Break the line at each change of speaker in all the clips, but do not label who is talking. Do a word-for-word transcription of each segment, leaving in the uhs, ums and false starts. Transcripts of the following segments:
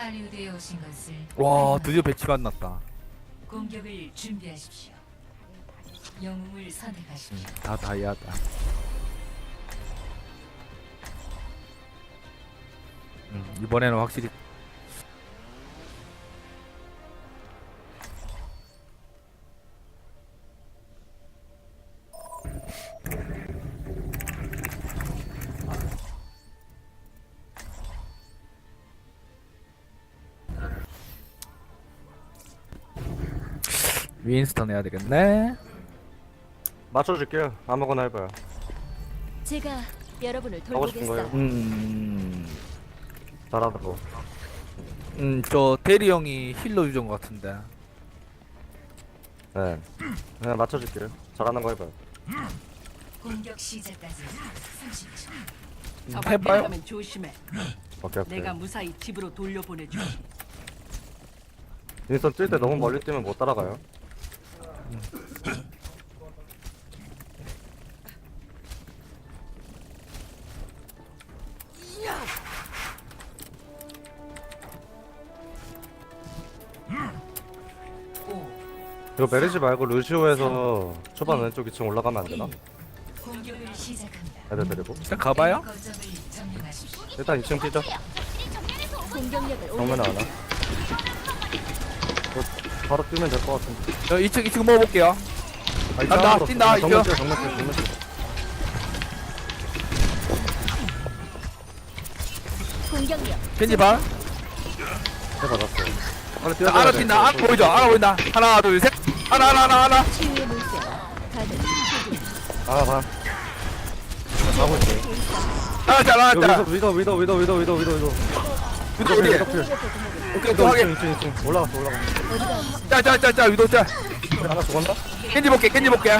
할리우드에 오신 것을
와 드디어 배치 만났다.
공격을 준비하십시오. 영웅을 선택하십시오.
다 다이아다. 음, 이번에는 확실히 윈스턴 해야 되겠네.
맞춰줄게요. 아무거나 해봐요.
제가 여러분을
하고 싶은 거예요.
돌보겠어요.
음,
잘하다고.
음, 저 대리 형이 힐러 유저인 것 같은데.
네. 그냥 맞춰줄게요. 잘하는 거 해봐요.
공격 시작까지 삼십 초.
음,
저
해봐요.
밖에 면 조심해.
오케이 오케이.
내가 무사히 집으로 돌려보내줘.
윈스턴 뛸 때 너무 멀리 뛰면 못 따라가요.
오.
이거 메르시 말고 루시오에서 초반 왼쪽 이 층 올라가면 안 되나?
공격을 시작합니다.
애들 데리고.
그냥 가봐요.
거점을 점령하십시오.
일단 이 층 뛰죠.
공격력을
정면에
올려.
하나. 뭐, 바로 뛰면 될 것 같은데.
저 이 층 이 층 먹어볼게요.
아, 이
간다,
층
뛴다,
정면
이쪽.
뛰어, 정면 뛰어, 정면 뛰어.
공격력.
겐지 봐.
해받았어요. 빨리 뛰어야
알아 뛴다. 아 보이죠? 알아 보인다. 하나 둘 셋. 하나 하나 하나 하나.
치유의 물결. 다들
아, 봐. 가고 있어요.
하나 잘 하나
이거
잘.
위도, 위도, 위도, 위도, 위도, 위도, 위도.
위도 어디?
위도 필.
오케이 또
위도
하게.
이 층, 이 층, 이 층. 올라갔어, 올라갔어.
짜짜짜짜 위도 짜.
하나 죽었나?
겐지 볼게 겐지 볼게.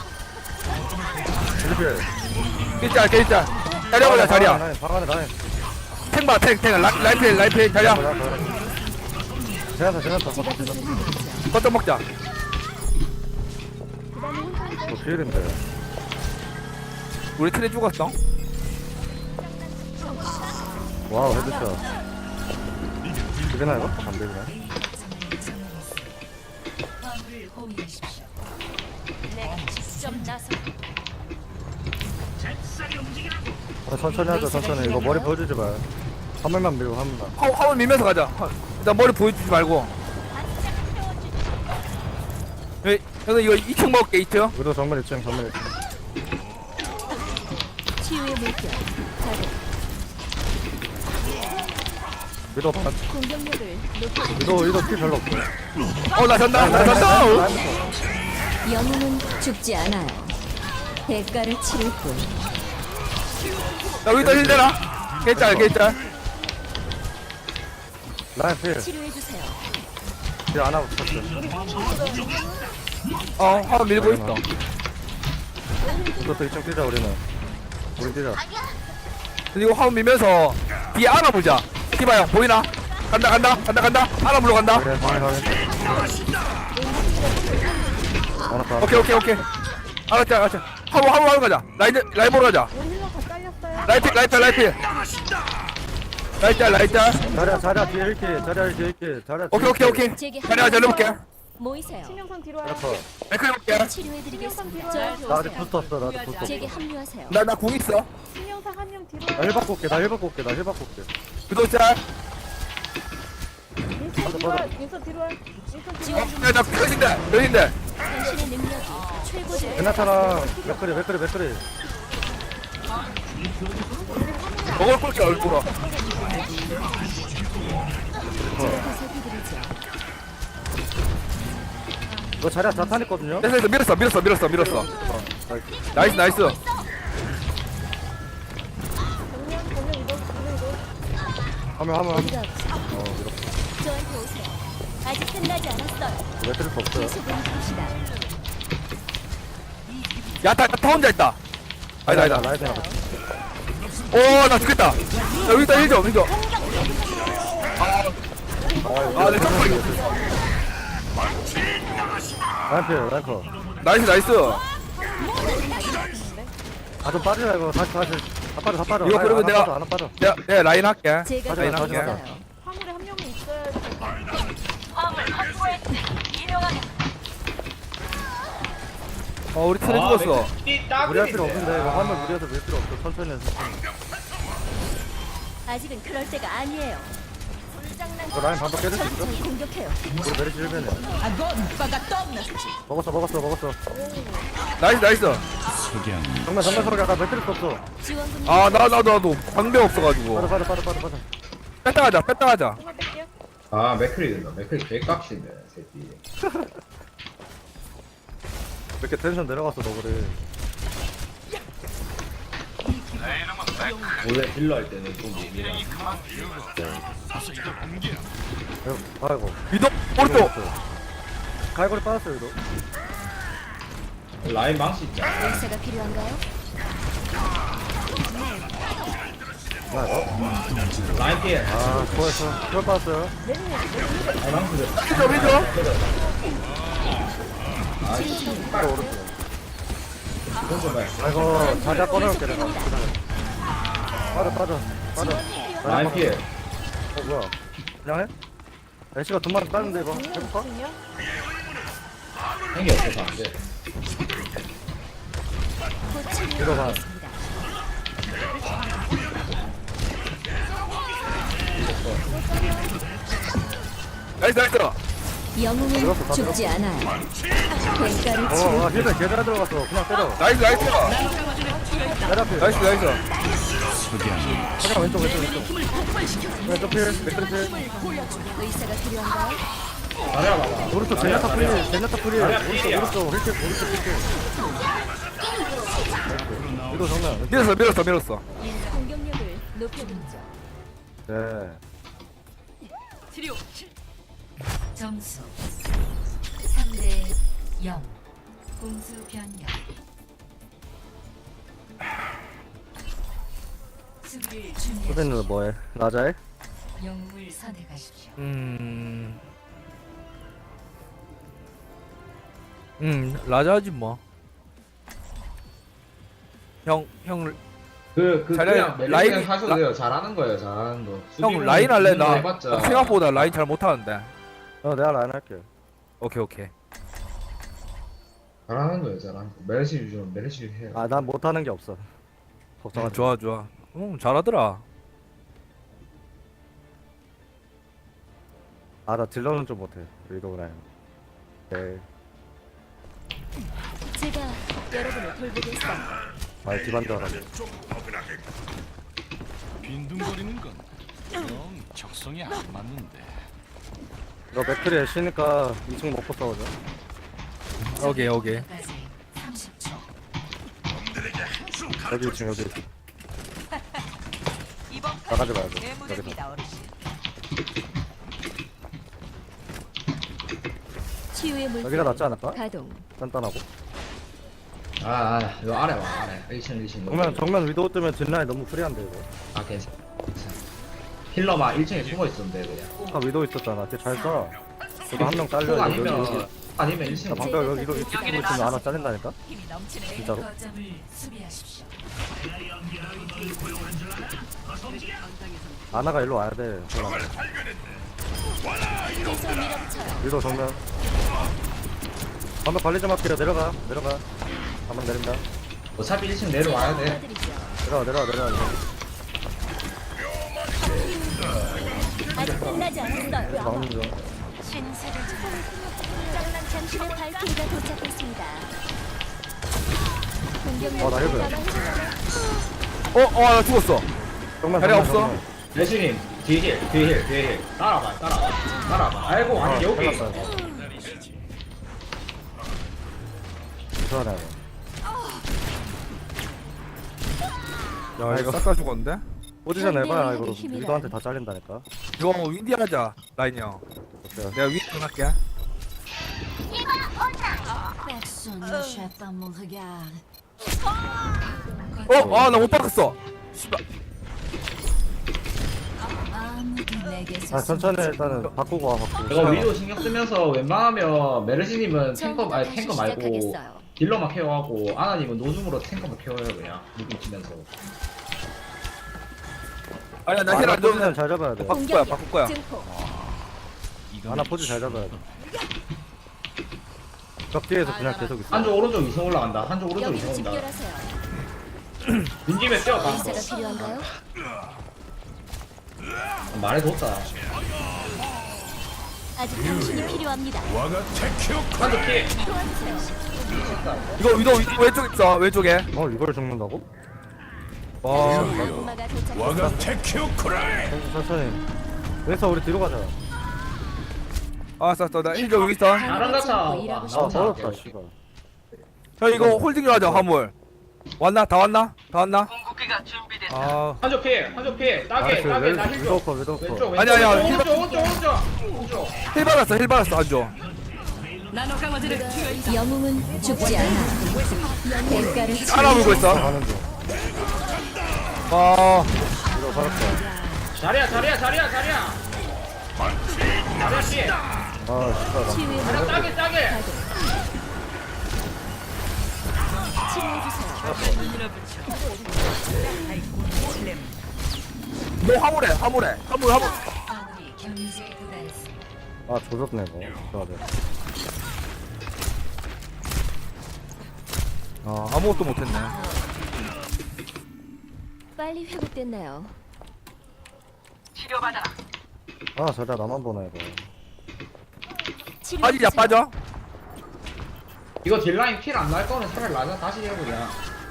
필.
겐지 짜 겐지 짜. 자리야 자리야.
방 안에 라인.
탱봐 탱탱 라이프 라이프 자리야.
제나타, 제나타.
거점 먹자.
뭐 필인데.
우리 트레 죽었어.
와우, 헤드샷. 되나 이거? 안 되나?
A 거점을 점령했습니다. 화물을 호위하십시오.
내가 직접 나서
아, 천천히 하자, 천천히. 이거 머리 보여주지 마요. 한 번만 밀고, 한 번만.
화 화물 밀면서 가자. 화- 일단 머리 보여주지 말고. 예, 그래서 이거 이 층 먹을게 이 층.
위도 정면 이 층, 정면 이 층.
치유의 물결. 다들
위도 반.
공격력을 높여.
위도, 위도 피 별로 없어.
어나 잔다 나 잔다. 어.
영웅은 죽지 않아요. 대가를 치를 뿐.
나 여기다 힐 되나? 개짤 개짤.
라인 필.
치료해 주세요.
필 안 하고 있었어.
어 화물 밀고 있어.
위도 이 층 뛰자, 우리는. 우리 뛰자.
그리고 화물 밀면서 뒤에 안아보자. 티바 형 보이나? 간다 간다 간다 간다. 안아 물러 간다.
그래, 방에 가면. 하나 더.
오케이 오케이 오케이. 알았지 알았지. 화물 화물 화물 가자. 라인 라인 보러 가자. 라이트 라이트 라이트. 라이트 라이트.
자리야, 자리야, 뒤에 이렇게. 자리야, 뒤에 이렇게. 자리야.
오케이 오케이 오케이.
제게
자리야 잘 해볼게.
모이세요.
그렇죠.
맥크 해볼게.
치료해드리겠습니다.
나 아직
저한테
부스터 없어, 나 아직 부스터 없어.
제게 합류하세요.
나 나 궁 있어.
신영상 한 명 뒤로
나 힐 받고 올게, 나 힐 받고 올게, 나 힐 받고 올게.
유도 짤.
윈서 뒤로 와 윈서 뒤로 와 윈서 뒤로 와
야나 펴진다 펴진다.
당신의 능력이 최고조에
베나타랑 맥크리, 맥크리, 맥크리.
먹을 꿀게 얼굴어.
보살펴드리죠.
이거 자리야 자탄 있거든요?
됐어 됐어 밀었어 밀었어 밀었어 밀었어. 나이스 나이스.
정면 정면 이동 정면 이동
하면, 하면, 하면.
어디가 없어? 저한테 오세요. 아직 끝나지 않았어요.
맥크리 거 없어요.
계속 움직이시다.
야타 야타 혼자 있다. 아니다 아니다.
라이드 나가.
오나 죽겠다. 야 여기다 힐좀 힐좀. 아내 점프.
라인 필, 라인 커.
나이스 나이스.
아, 좀 빠지자, 이거. 다시, 다시. 다 빠져, 다 빠져.
이거
라인
그러면
안
내가-
빠져, 안 빠져.
내가 내가 라인 할게.
제가
가자,
라인
가자,
할게.
가자.
있어요.
화물에 한 명만 화물이 있어야지.
어 우리 트레 죽었어.
무리할 필요 없는데 이거 화물 무리해서 밀 필요 없어. 천천히 해서.
아직은 그럴 때가 아니에요.
이거 라인 반박 깨질 수 있어?
적을 공격해요.
우리 메리시 일 변이야. 먹었어 먹었어 먹었어.
나이스 나이스.
정면 정면 서로 약간 몇 필요 없어.
지원금
아 나 나도 나도 방벽 없어가지고.
빠져 빠져 빠져 빠져 빠져.
뺐다 가자 뺐다 가자.
하나 뺄게요.
아 맥크리 된다. 맥크리 개깍시네 새끼.
왜 이렇게 텐션 내려갔어 너 그래.
원래 딜러 할 때는 좀 예민해.
아이고.
위도 오른쪽.
갈고리 빠졌어 위도.
라인 망치 있잖아.
의사가 필요한가요?
나 이거.
라인 피해.
아 수고했어. 별 빠졌어요.
라인 망치 됐다.
위도 위도.
아 씨.
바로 오른쪽.
이건 좀 해.
아이고 자자 꺼내올게 내가. 빠져 빠져 빠져.
라인 피해.
어 뭐야? 그냥 해? 애쉬가 돈 많이 따는데 이거 해볼까?
중이요?
한게 없어서 안 돼.
곧
이거 봐.
치료하겠습니다.
나이스 나이스.
영웅은
들어갔어, 다
죽지 않아요. 대가를
어,
치르.
와, 힐백 개잘 들어갔어. 그냥 때려.
나이스 나이스.
내려 앞에.
나이스 나이스.
잠깐 왼쪽, 왼쪽, 왼쪽. 왼쪽 필, 맥크리 필.
의사가 필요한가요?
자리야 봐봐.
오른쪽 제냐타 필, 제냐타 필.
자리야
오른쪽,
필이야.
오른쪽, 오른쪽, 오른쪽 필. 이거 정면.
밀었어 밀었어 밀었어.
공격력을 높여드리죠.
네.
치료.
점수 삼 대 영. 공수 변경. 수비를 준비하십시오.
선생님은 뭐해? 라자해?
영웅을 선택하십시오.
음. 음 라자지 뭐. 형 형
그, 그,
자리야,
그냥 멜리스
라인-
그냥 하셔도
라-
돼요. 잘하는 거예요, 잘하는 거.
형
수비는
라인 할래?
수비는
나
해봤자.
생각보다 라인 잘 못하는데.
어, 내가 라인 할게.
오케이 오케이.
잘하는 거예요, 잘하는 거. 메르시 좀, 메르시 해요.
아, 난 못하는 게 없어.
아,
걱정하지.
좋아 좋아. 응 잘하더라.
아, 나 딜러는 좀 못해. 위도우 라인. 네.
제가 여러분을 돌보겠어요.
아, 기반 줄 알았네.
빈둥거리는 건 영 적성에 안 맞는데.
너 맥크리에 쉬니까 이 층 먹고 싸우자.
오케이 오케이.
까지 삼십 초.
여기 이 층, 여기 이 층.
이번
나가지 말고. 여기서.
예무됩니다 어르신.
치유의 물.
여기가 낫지 않을까?
가동.
단단하고.
아, 아, 이거 아래 와, 아래. 일 층, 일 층.
정면, 정면 위도우 뜨면 뒷라인 너무 프리한데, 이거.
아, 괜찮아. 괜찮아. 힐러만 일 층에 숨어 있었는데, 그냥.
아까 위도우 있었잖아. 걔 잘 쏴. 저도 한 명 잘려.
속
여기,
아니면,
여기.
아니면 일 층에
나 방금 여기, 이거, 이거 찍고 있으면 하나 잘린다니까?
힘이 넘치네.
진짜로?
거점을 수비하십시오.
아나가 일로 와야 돼.
계속 밀어붙여요.
위도우 정면. 방금 관리 좀 할게요. 내려가. 내려가. 한번 내린다.
어차피 일 층 내려와야 돼.
도와드리죠.
내려와, 내려와, 내려와.
아직 끝나지 않았어요.
막는 중.
신세를 짱난 장신의 발키리가 도착했습니다. 공격력
어, 나 힐베.
어어나 죽었어.
정면,
자리
정면,
없어?
정면.
레시님, 뒤에 힐, 뒤에 힐, 뒤에 힐. 따라와, 따라와. 따라와. 아이고, 아니,
어,
여기.
잘랐다, 이거. 이상하네, 이거.
야 이거 싹 다 죽었는데?
포지션 해봐야 이거
힘이라.
위도한테 다 잘린다니까.
이거 윈디 하자 라인 형.
어때요?
내가 윈디 할게.
Personne ne chatte pas mon regard.
어아나 못 박았어. 씨발.
아무도 내게서
아 천천히 일단은 바꾸고 와 바꾸고.
이거 위로 신경 쓰면서 웬만하면 메르시님은 탱커,
처음부터
아니,
다시
탱커 말고
시작하겠어요.
딜러만 케어하고 아나님은 노중으로 탱커만 케어해요, 그냥. 무기 치면서.
아니야 나
아,
힐
나
안 줘.
포지션 잘 잡아야 돼.
바꿀 거야 바꿀 거야.
증폭.
이건
하나 포즈 잘 잡아야 돼. 벽 뒤에서 그냥 계속 있어.
한쪽 오른쪽 이성 올라간다. 한쪽 오른쪽
여기로
이성 온다.
집결하세요.
민집에 뛰어 가.
의사가 필요한가요?
말해줬다.
아직 당신이 필요합니다.
한쪽 피.
이거 위도 위- 왼쪽 있어 왼쪽에.
어 이걸 죽는다고?
와
엄마가 도착했어.
천천히 천천히. 왼서 우리 뒤로 가자.
알았어 알았어 나 힐좀 여기 있어.
나랑 같아.
일하고
아
싶어.
멀었다 씨발.
형 이거 홀딩으로 하자 화물. 왔나? 다 왔나? 다 왔나? 아
한쪽 피. 한쪽 피. 따게. 따게. 나 힐 줘.
위도커 위도커.
왼쪽 왼쪽.
아니, 아니, 아니,
오른쪽 오른쪽 오른쪽. 오른쪽.
힐 받았어 힐 받았어 안줘.
나노 강화제를 투여 있다.
영웅은 죽지 않아. 대가를
하나 물고 있어.
가는 중.
아
위도 살았다.
자리야 자리야 자리야 자리야. 자리야 피.
아 씨발. 나-
치유의
자리야 따게 따게.
치료해주세요.
너 화물해 화물해 화물 화물.
아무리 경지에 도달했습니다.
아 조졌네 이거. 좋아 돼.
아 아무것도 못했네.
빨리 회복됐나요?
아 저리야 나만 보네 이거.
빠지자 빠져.
이거 딜라인 킬 안 날 거는 차라리 라자 다시 해보자.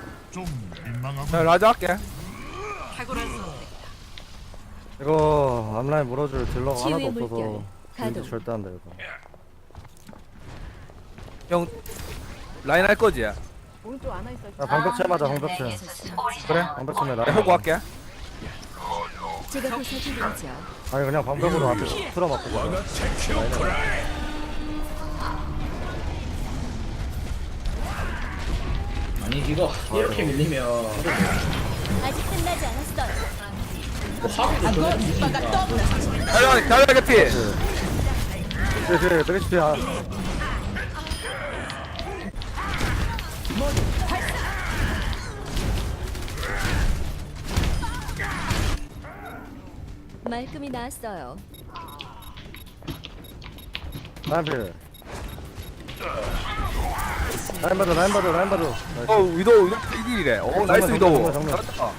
자 라자 할게.
탁월한 선택.
이거 앞라인 물어줄 딜러가 하나도
치유의
없어서
물결,
윈디
가동.
절대 안 돼 이거.
형 라인 할 거지?
오른쪽 안와 있어.
야 방벽체 맞아 방벽체.
내게서 숨지.
그래.
방벽체 나.
내가 호구 할게.
제가 보살펴드리죠.
아니 그냥 방벽으로 앞에 틀어맞고 가.
아니 이거 이렇게 밀리면
아직 끝나지 않았어요.
뭐 하기도 전에 뒤지니까.
자리 자리 개피.
그래 그래 메리시피야.
말끔히 나았어요.
라인 필. 라인 받아 라인 받아 라인 받아.
어 위도 위도 일이래. 오 나이스
정면,
위도.
정면, 정면.
잘했다.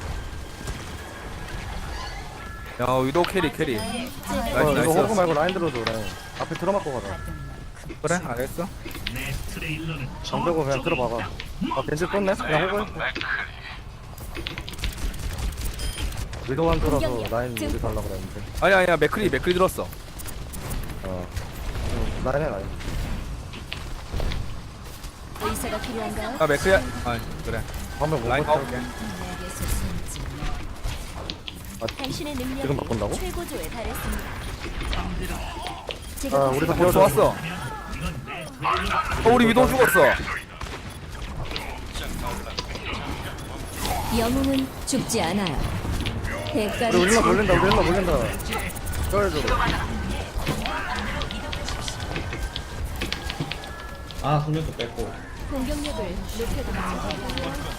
야 위도 캐리 캐리.
어,
나이스
이거 호구
나이스.
말고 라인 들어줘 라인. 앞에 틀어맞고 가자.
그래 알겠어.
방벽으로 그냥 들어봐봐. 아 겐지 떴네? 그냥 호구 해. 위도 한 들어서 라인 우리 달라고 그랬는데.
아니 아니야 맥크리 맥크리 들었어.
어. 음, 라인 해 라인.
의사가 필요한가요?
아 맥크리야. 아 그래.
방벽 못
라인
버텨.
가볼게.
내게서 숨지.
당신의
지금
능력이
바꾼다고?
최고조에 달했습니다. 제가
아 우리도
어
비워줘.
좋았어. 어 우리 위도 죽었어.
영웅은 죽지 않아요. 대가를
우리 일러 몰린다 우리 일러 몰린다. 쩔줘.
아 숙련도 뺐고.
공격력을 높여드립니다.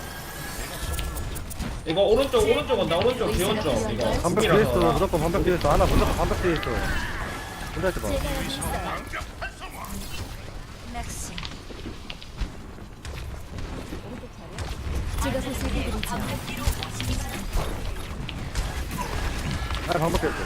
이거 오른쪽 오른쪽 온다 오른쪽 기원쪽 이거.
방벽 뒤에 있어 무조건 방벽 뒤에 있어. 하나 무조건 방벽 뒤에 있어. 혼자 있어 봐.
제가 여기 있어요.
낚시.
제가 보살펴드리죠.
아 방벽 뒤에 있어.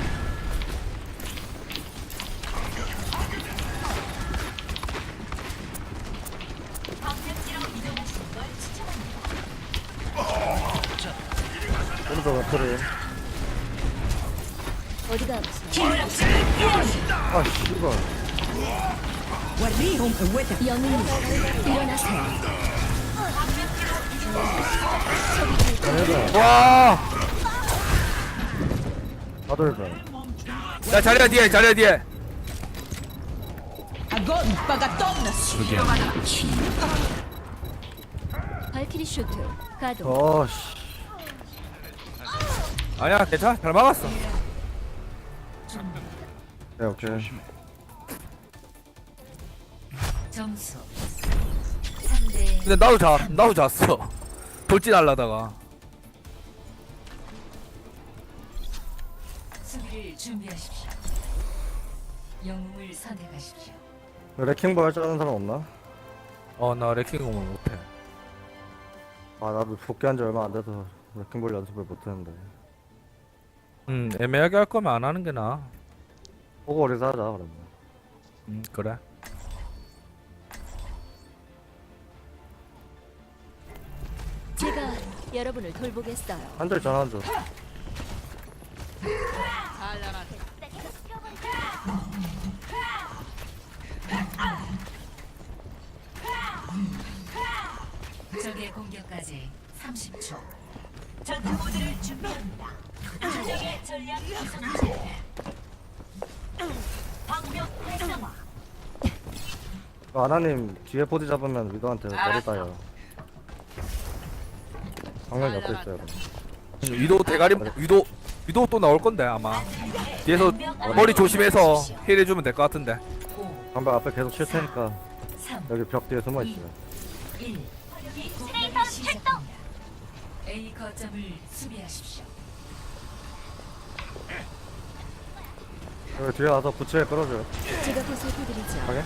오른쪽 앞으로.
어디가
아 씨발.
영웅님 일어나세요.
해봐.
와.
나도 해봐.
야 자리야 뒤에 자리야 뒤에.
발키리 슈트 가동.
어 씨.
아니야 괜찮아 잘 막았어.
네 오케이.
점수 삼 대
근데 나도 자 나도 잤어. 돌진 하려다가.
수비를 준비하십시오. 영웅을 선택하십시오.
레킹볼 할 줄 아는 사람 없나?
어나 레킹공을 못해.
아 나도 복귀한 지 얼마 안 돼서 레킹볼 연습을 못했는데.
음 애매하게 할 거면 안 하는 게 나아.
보고 어디서 하자 그러면.
음 그래.
제가 여러분을 돌보겠어요.
한줄 전화 한 줄.
적의 공격까지 삼십 초.
아나님 뒤에 포지 잡으면 위도한테 머리 따요. 방금 옆에 있어요.
위도 대가리 위도 위도 또 나올 건데 아마 뒤에서 머리 조심해서 힐해주면 될 것 같은데.
방금 앞에 계속 칠 테니까
삼,
여기 벽 뒤에 숨어 있어요.
일. 공격이 시작합니다. A 거점을 수비하십시오.
여기 뒤에 와서 부츠에 끌어줘요.
제가 보살펴드리죠.
가게?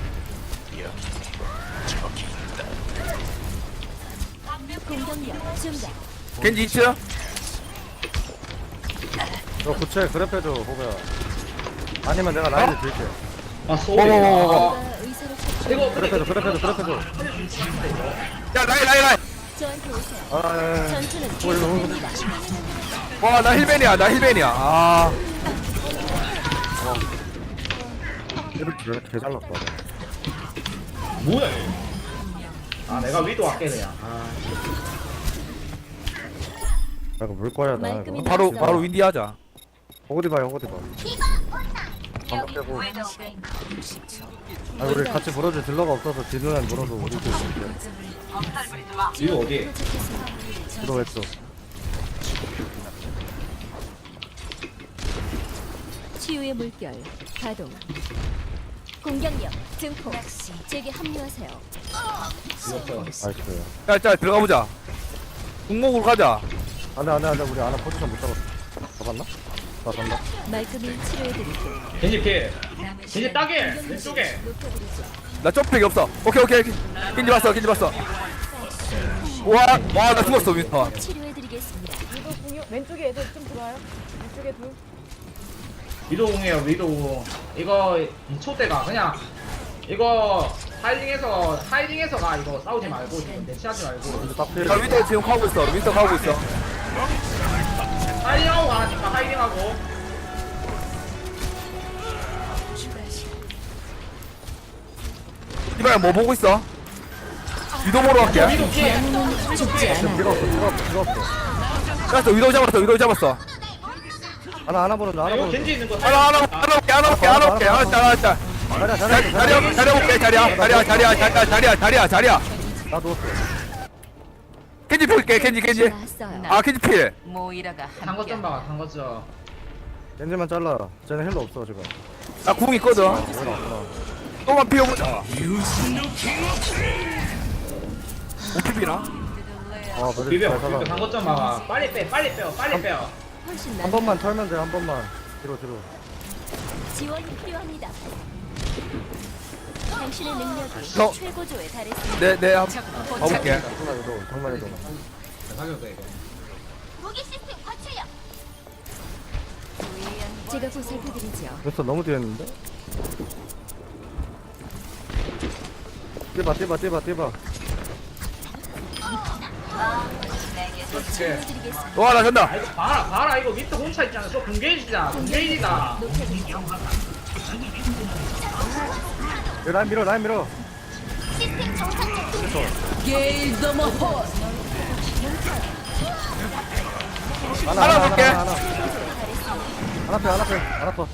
공격력 증가.
겐지 있죠?
너 부츠에 그랩해줘 호구야. 아니면 내가 라인을 들게.
아 소리.
어머머머머.
아,
제가 의사를 찾
이거
그랩해줘 그랩해줘 그랩해줘.
야 라이 라이 라이.
저한테 오세요.
아 예, 예.
전투는
오, 이거
계속됩니다.
와나 힐벤이야 나 힐벤이야. 아
이렇게 개- 개 잘났다.
뭐야? 얘. 아 내가 위도 할게 그냥. 아.
야, 이거 물 꺼야 돼.
말끔히
이거.
바로 바로 윈디 하자.
호구디 봐요 호구디 봐. 방금 빼고. 아 우리 같이 물어줄 딜러가 없어서 딜러는 물어서 우리 딜 있을게.
위도 어디?
딜러 왼쪽.
치유의 물결 가동. 공격력 증폭. 제게 합류하세요.
위도
나이스.
짤짤 들어가 보자. 공목으로 가자.
안돼 안돼 안돼 우리 아나 포지션 못 잡았어. 잡았나? 나 잡나?
말끔히 치료해드릴게요.
겐지 피해.
남은
겐지
시간
따게
공격력을
왼쪽에.
높여드리죠.
나 점프팩이 없어. 오케이 오케이 오케이. 겐지 봤어 겐지 봤어. 와와나 죽었어 윈터.
치료해드리겠습니다.
위도 공유 왼쪽에 애들 좀 들어와요. 왼쪽에 둘.
위도 공이에요 위도. 이거 이 초 때가 그냥 이거 하이딩에서 하이딩에서 가 이거 싸우지 말고 지금 대치하지 말고
이제 딱 필.
자 윈터 지금 가고 있어. 윈터 가고 있어.
하이딩하고 가라니까 하이딩하고.
이봐야 뭐 보고 있어? 위도 보러 갈게.
위도 피해.
죽지 않아.
밀어 없어 밀어 없어 밀어 없어.
잡았어 위도 잡았어 위도 잡았어.
하나 하나 보는 중 하나
이거
보는 중.
겐지 있는 거.
하나 하나 하나 볼게 하나 볼게 하나 볼게. 알았다 알았다.
자리야 자리야
자리야 자리야 볼게 자리야 자리야 자리야 자리야 자리야 자리야 자리야.
나 누웠어.
겐지 볼게 겐지 겐지.
나왔어요.
아 겐지 필.
모이라가
단거 좀 봐, 단거 좀.
겐지만 잘라. 쟤는 힐러 없어 지금.
나 궁 있거든.
왜 나왔구나.
또만 피워보자. 오피비나?
아 그래
비벼,
잘
비벼,
살아.
단거 좀 봐봐. 빨리 빼, 빨리 빼요, 빨리 빼요.
훨씬
한
나.
번만 털면 돼 한 번만. 뒤로 뒤로.
지원이 필요합니다. 당신의 능력이
저-
최고조에 달했습니다.
네네 한번 가볼게.
정말 해도 정말 해도.
가격도 이거.
무기 시스템 과체력. 제가 보살펴드리죠.
벌써 너무 뒤에 있는데? 뛰봐 뛰봐 뛰봐 뛰봐.
치료해드리겠습니다.
와 나 간다.
아, 이거 봐라, 봐라. 이거 밑에 혼자 있잖아. 저 공개이지다, 공개이지다.
높여드리죠.
야, 라인 밀어 라인 밀어.
게일 더머 호
하나
하나
하나
볼게.
하나 하나. 하나 빼 하나 빼 하나 빼.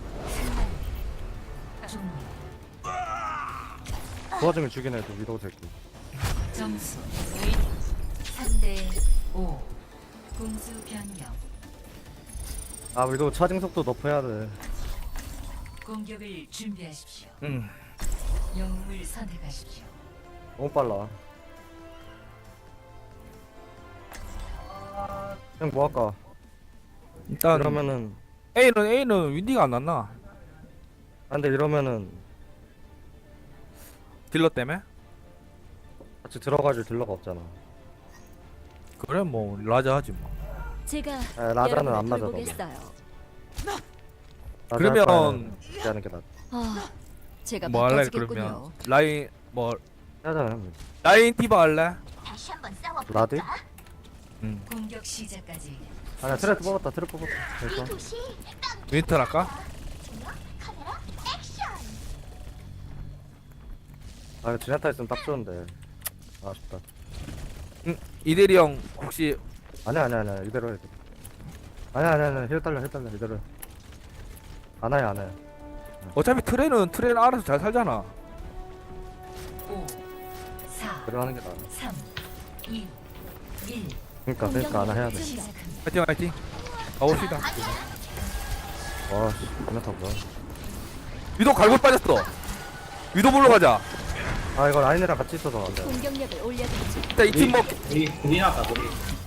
도와주면 죽이네 또 위도우 새끼.
점수 삼 대 오. 공수 변경.
아 위도우 차징 속도 높여야 돼.
공격을 준비하십시오.
응.
영웅을 선택하십시오.
너무 빨라. 그냥 뭐 할까?
일단
그러면은
A는 A는 윈디가 안 났나?
아, 근데 이러면은
딜러 때문에?
같이 들어가줄 딜러가 없잖아.
그래 뭐 라자 하지 뭐.
제가
아, 라자는
여러분을
안 맞아, 너도.
돌보겠어요.
라자
그러면-
할 바에는 이렇게 하는 게 낫.
아, 제가
뭐 할래
바꿔주겠군요.
그러면 라인 뭐
하잖아 형.
라인 디바 할래?
라디?
응.
공격 시작까지
아니야 트랩 뽑았다 트랩 뽑았다. 됐어.
윈터 할까?
아 지네타 있으면 딱 좋은데. 아쉽다.
응. 이대리 형 혹시
아니야 아니야 아니야 이대로 해. 아니야 아니야 아니야 힐 달려 힐 달려 이대로 해. 안 와요 안 와요.
어차피 트레는 트레는 알아서 잘 살잖아.
오, 사,
이대로 하는 게 나아.
삼, 이, 일.
그러니까 그러니까 안 와 해야 돼.
시작합니다.
화이팅 화이팅. 가봅시다.
와 씨, 지네타 뭐야?
위도 갈고 빠졌어. 위도 불러 가자.
아 이거 라인이랑 같이 있어서 안 돼.
공격력을 올려드리죠.
일단 이 팀 뭐
우리 우리 나왔다 우리.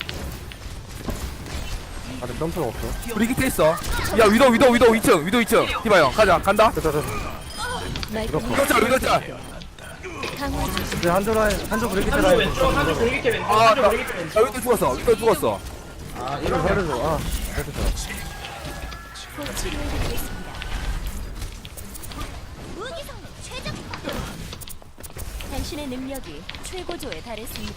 아직 점프가 없어.
우리 기태 있어. 야 위도 위도 위도 이 층 위도 이 층. 디바 형 가자 간다.
됐다 됐다.
말끔히
위도 짤 위도 짤.
강화 중.
이제 한조 라인 한조 브레이크
한쪽
라인.
왼쪽 한쪽 돌리기 왼쪽
아,
한쪽
나,
돌리기
나
왼쪽.
위도 죽었어. 위도 죽었어.
아
이거
이러면
살려줘. 아 됐다.
곧 치료해드리겠습니다. 당신의 능력이 최고조에 달했습니다.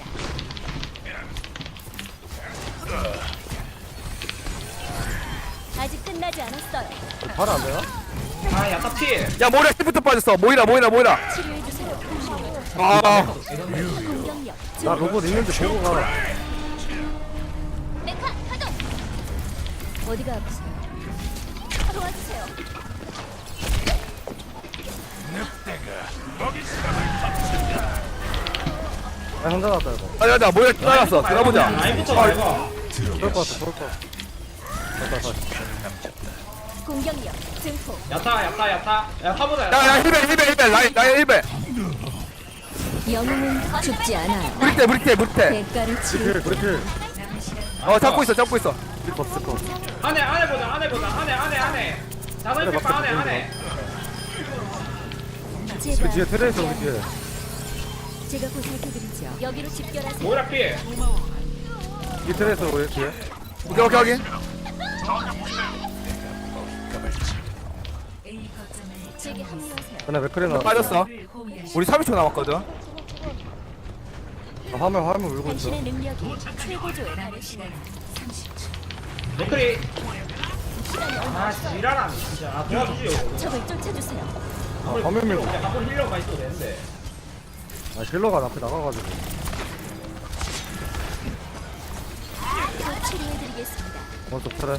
아직 끝나지 않았어요.
바로 안 돼요?
아 야타 피.
야 모이라 시부터 빠졌어. 모이라 모이라 모이라.
치료해주세요.
아
공격력.
나 로봇 있는지 보고 가.
메카 가동. 어디가 아프세요? 도와주세요.
아 혼자 났다 이거.
가자 가자 모이라 뛰어났어. 들어보자.
라인부터 말고.
그럴 것 같아 그럴 것 같아. 됐다 됐다.
공격력 증폭.
야타 야타 야타. 야타보다
야야
야타.
힐벨 힐벨 힐벨 라인 라인 힐벨.
영웅은 죽지 않아요.
브리테 브리테 브리테.
대가를 치르.
브레이크 브레이크.
어 잡고 있어 잡고 있어.
스커 스커.
안에 안에 보자 안에 보자 안에 안에 안에. 자살 팩 안에 안에.
그
제가
뒤에 트레 있어 우리 뒤에.
제가 보살펴드리죠. 여기로 집결하세요.
모이라 피.
이 트레 있어 우리 뒤에.
오케이 오케이 확인.
A 거점을
제게 합류하세요.
그날 맥크리 나.
빠졌어.
를 호위하시.
우리 삼십 초 남았거든.
아, 화물 화물 울고 있어.
당신의 능력이 최고조에
남은
달했습니다.
시간 삼십 초.
맥크리.
시간이 얼마
아
없어요.
지랄하네 진짜. 아 도와주지요.
적을 쫓아주세요.
아, 화물 밀고.
한번 힐러가 있어도 되는데.
아 힐러가 앞에 나가가지고.
곧 치료해드리겠습니다.
먼저 트레.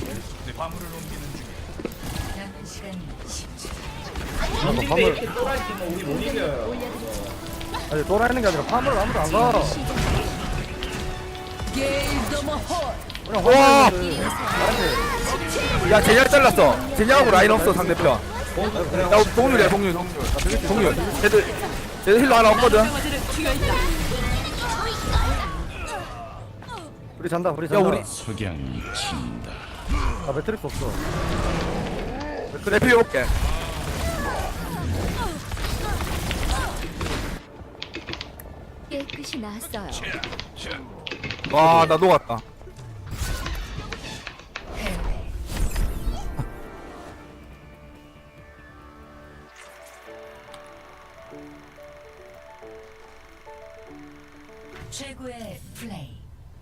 남은 시간 십 초.
근데
화물.
이렇게 또라이팀은 우리 못
공격력을
이겨요.
올려드리죠.
아니 돌아있는 게 아니라 화물 아무도 안 가.
게일 더머 홀.
그냥
와!
화물 있는데. 아니.
야 제냐 잘랐어. 제냐하고 라인 없어 상대편. 야 동률이야 동률 동률. 동률. 쟤들 쟤들 힐러 하나 없거든.
우리 잔다 우리
야
잔다.
우리
석양이 친다.
아 매트릭스 없어.
그래 피해볼게.
깨끗이 나았어요.
와 나 녹았다.
패배. 최고의 플레이.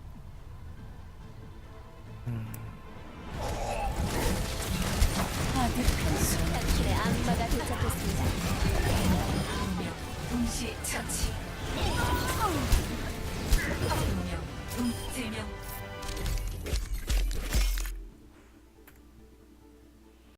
하드 편수.
당신의 악마가 도착했습니다.
동시 처치.